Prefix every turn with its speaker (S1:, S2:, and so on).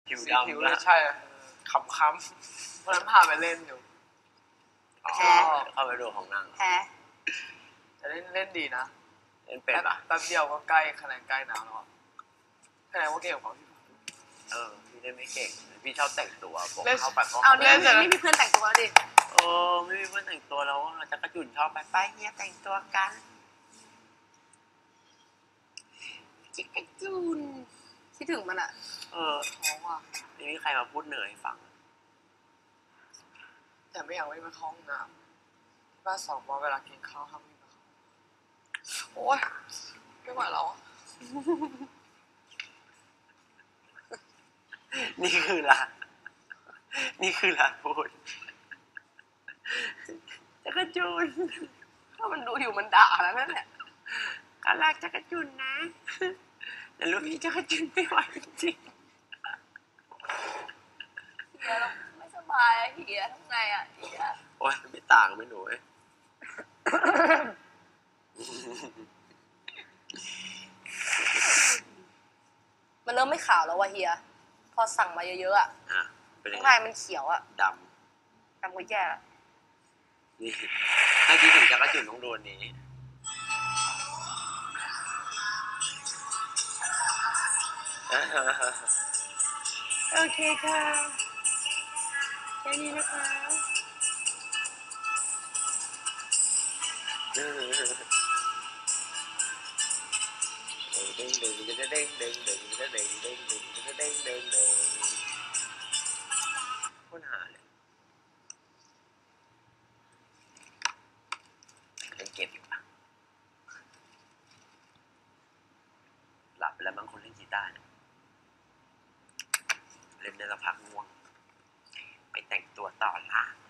S1: ผิว
S2: สี
S1: ดำ
S2: ผิว
S1: ละ
S2: ใช่ค้ำๆวันนั้นพาไปเล่นอยู่
S1: อ๋อ
S3: แพ้
S1: เข้าไปดูของนาง
S3: แพ้
S2: แต่เล่นดีนะ
S1: เล่นเป็นปะ
S2: แป๊บเดียวก็ใกล้คะแนนใกล้น้ำแล้วคะแนนว่าเก่งกว่าพี่
S1: พี่เล่นไม่เก่งพี่ชอบแต่งตัวบอก
S2: เล่น
S1: เข้าไปก็
S3: เอา
S1: เข้าไป
S3: นี่ไม่มีเพื่อนแต่งตัวแล้วดิ
S1: ไม่มีเพื่อนแต่งตัวแล้วจักรจุ่นชอบไปเฮียแต่งตัวกันจักรจุ่น
S3: คิดถึงมันอะ
S2: ท้องว่ะ
S1: ไม่มีใครมาพูดเหนื่อยฟัง
S2: แต่ไม่อยากวิ่งไปเข้าห้องน้ำที่บ้านสองวันเวลากินข้าวห้ามวิ่งไปเข้าโอ๊ยไม่ไหวแล้ว
S1: นี่คือร้านพูดจักรจุน
S3: ถ้ามันดูอยู่มันด่าแล้วนั่นแหละ
S1: การรักจักรจุนนะแต่ลูกพี่จักรจุนไม่ไหวจริง
S3: เฮียเราไม่สบายอะเฮียทำไงอะเฮีย
S1: โอ๊ยไม่ต่างไม่หนูเอ้ย
S3: มันเริ่มไม่ขาวแล้วว่ะเฮียพอสั่งมาเยอะๆอะ
S1: เป็นยัง
S3: ข้าง
S1: ไง
S3: ในมันเขียวอะ
S1: ด
S3: ทำก็แย่ละ
S1: ำนี่ถ้าคิดถึงจักรจุนต้องโดนนี้โอเคค่ะแค่นี้นะคะเด้งดึงจะเด้งดึงดึงจะเด้งดึงดึงจะเด้งดึงดึงค้นหาเลยเล่นเกมอยู่ปะหลับไปแล้วบางคนเล่นกีตาร์เนี่ยเล่นได้ละพักง่วงไปแต่งตัวต่อละ